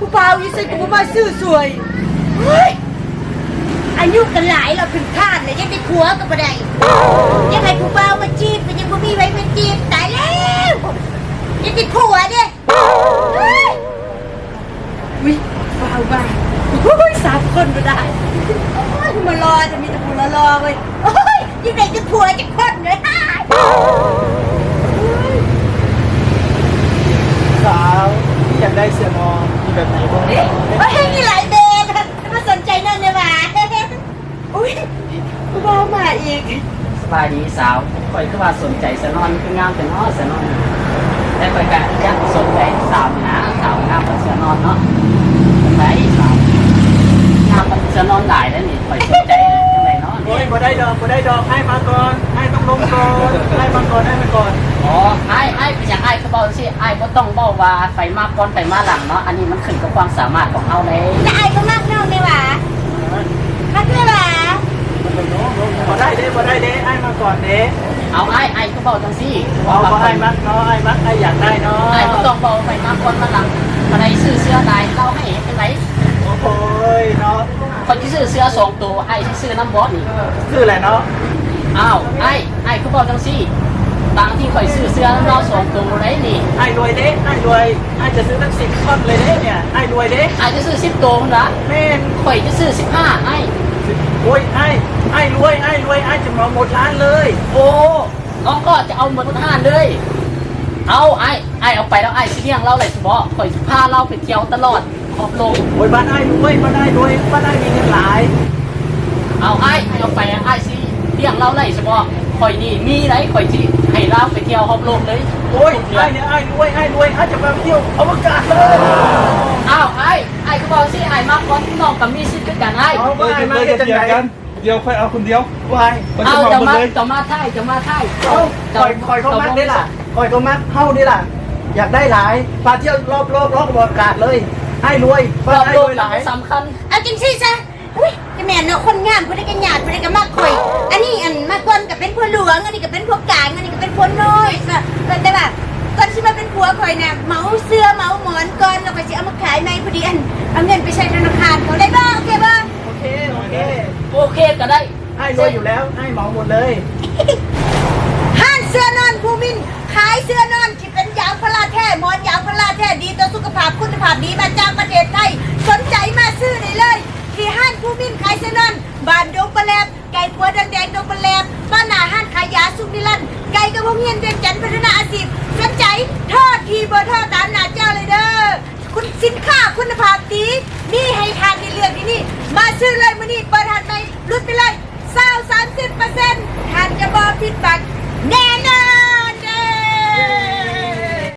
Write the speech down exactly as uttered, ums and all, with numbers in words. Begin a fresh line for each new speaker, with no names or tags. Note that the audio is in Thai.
เปล่าอยู่ใส่กูมาซื้อสวยเฮ้ยอายุกันหลายเราเป็นข้านเลยยังได้ผัวกับอะไรยังไงกูเปล่ามาจีบเป็นยังกูมีไว้เป็นจีบตายแล้วยังติดผัวเนี่ยวิเปล่าบ้าโอ้ยสามคนก็ได้โอ้ยมารอจะมีแต่ผัวรอเว้ยโอ้ยยังไงจะผัวจะคนเลย
สาวที่อยากได้เสื้อนอนมีแบบไหนบ้าง
เฮ้ยมีหลายเบนมาสนใจนั่นเลยว่ะอุ้ยกูบ้ามาอีก
สบายดีสาวคอยคือว่าสนใจเสื้อนอนคืองามแต่นอนเสื้อนอนแต่คอยก็อยากสนใจสาวนะสาวงามเป็นเสื้อนอนเนาะไปสาวงามเป็นเสื้อนอนหลายแล้วนี่คอยสนใจจังไรเนาะ
โอ้ยบ่ได้ดอกบ่ได้ดอกให้มาก่อนให้ต้องลงก่อนให้มาก่อนให้มาก่อน
อ๋อไอ้ไอ้เป็นอย่างไอ้เขาบอกสิไอ้ก็ต้องบอกว่าไฟมาก่อนไฟมาหลังเนาะอันนี้มันขึ้นกับความสามารถของเขาเลย
แต่ไอ้ก็มากเน่าเลยว่ะมากเลยว่ะ
บ่ได้เด้บ่ได้เด้ให้มาก่อนเด้
เอาไอ้ไอ้ก็บอกจังสิ
เอาบ่ให้มักเนาะให้มักให้อยากได้เนาะ
ไอ้ก็ต้องบอกไฟมาก่อนมาหลังมาในซื้อเสื้อลายเราให้เป็นไร
โอ้ยเนาะ
คนที่ซื้อเสื้อสองตัวไอ้ที่ซื้อน้ำบอสนี่
คืออะไรเนาะ
อ้าวไอ้ไอ้ก็บอกจังสิบางที่คอยซื้อเสื้อเราสองตัวไรนี่
ไอ้รวยเด้ไอ้รวยไอ้จะซื้อตั้งสิบท่อนเลยเด้เนี่ยไอ้รวยเด้
ไอ้จะซื้อสิบตัวนะ
แม่น
คอยจะซื้อสิบห้าไอ้
โอ้ยไอ้ไอ้รวยไอ้รวยไอ้จะมาหมดร้านเลย
โอ้น้องก็จะเอาหมดห้าเลยเอาไอ้ไอ้เอาไปแล้วไอ้เสี่ยงเราเลยสมบอกคอยพาเราไปเที่ยวตลอดขอบลง
โอ้ยบ้านไอ้รวยบ้านไอ้รวยบ้านไอ้มีเงินหลาย
เอาไอ้เอาไปไอ้สิเสี่ยงเราเลยสมบอกคอยนี่มีไรคอยที่ให้เราไปเที่ยวขอบลงเลย
โอ้ยไอ้เนี่ยไอ้รวยไอ้รวยไอ้จะไปเที่ยวอวกาศเลย
อ้าวไอ้ไอ้ก็บอกสิไอ้มากกว่าน้องกับมีสิทธิ์ด้วยกันไอ้
เอาไปมาเดียวกัน
เดียวค่อยเอาคนเดียว
วาย
เอาจะมาจะมาไทยจะมาไทย
คอยคอยเขามัดได้ล่ะคอยเขามัดเข้าได้ล่ะอยากได้หลายพาเที่ยวรอบรอบรอบอวกาศเลยให้รวย
รอบโลกหลายสำคัญ
เอาจริงสิจ้ะอุ้ยจะแม่เนาะคนงามคนได้กันหยาดคนได้กันมากคอยอันนี้อันมาก่อนกับเป็นผัวหลวงอันนี้ก็เป็นผัวกลางอันนี้ก็เป็นผัวน้อยก็แต่แบบก่อนที่มาเป็นผัวคอยเนี่ยเมาเสื้อเมาหมอนก่อนแล้วก็จะเอามาขายในพอดีอันเอาเงินไปใช้ธนาคารเขาได้บ้างโอเคบ้าง
โอเคโอเค
โอเคก็ได้
ให้รวยอยู่แล้วให้เหมาหมดเลย
ห้านเสื้อนอนภูมินขายเสื้อนอนที่เป็นยางพาราแท้หมอนยางพาราแท้ดีต่อสุขภาพคุณภาพดีมาจากประเทศไทยสนใจมาซื้อได้เลยที่ห้านภูมินขายเสื้อนอนบ้านดงปลาแลบไก่ปัวแดงๆดงปลาแลบบ้านนาห้านขายยาสุนิรันไก่กระพงเงียนเวียงจันทร์พัฒนาอาชีพสนใจทอดทีเบอร์ทอดตามหน้าเจ้าเลยเด้อคุณสินค้าคุณภาพดีนี่ให้ทานในเรื่องที่นี่มาซื้อเลยมื้อนี้เปิดทานไปลุ้นไปเลยเศร้าสามสิบเปอร์เซ็นต์ทานจะบอผิดบักแน่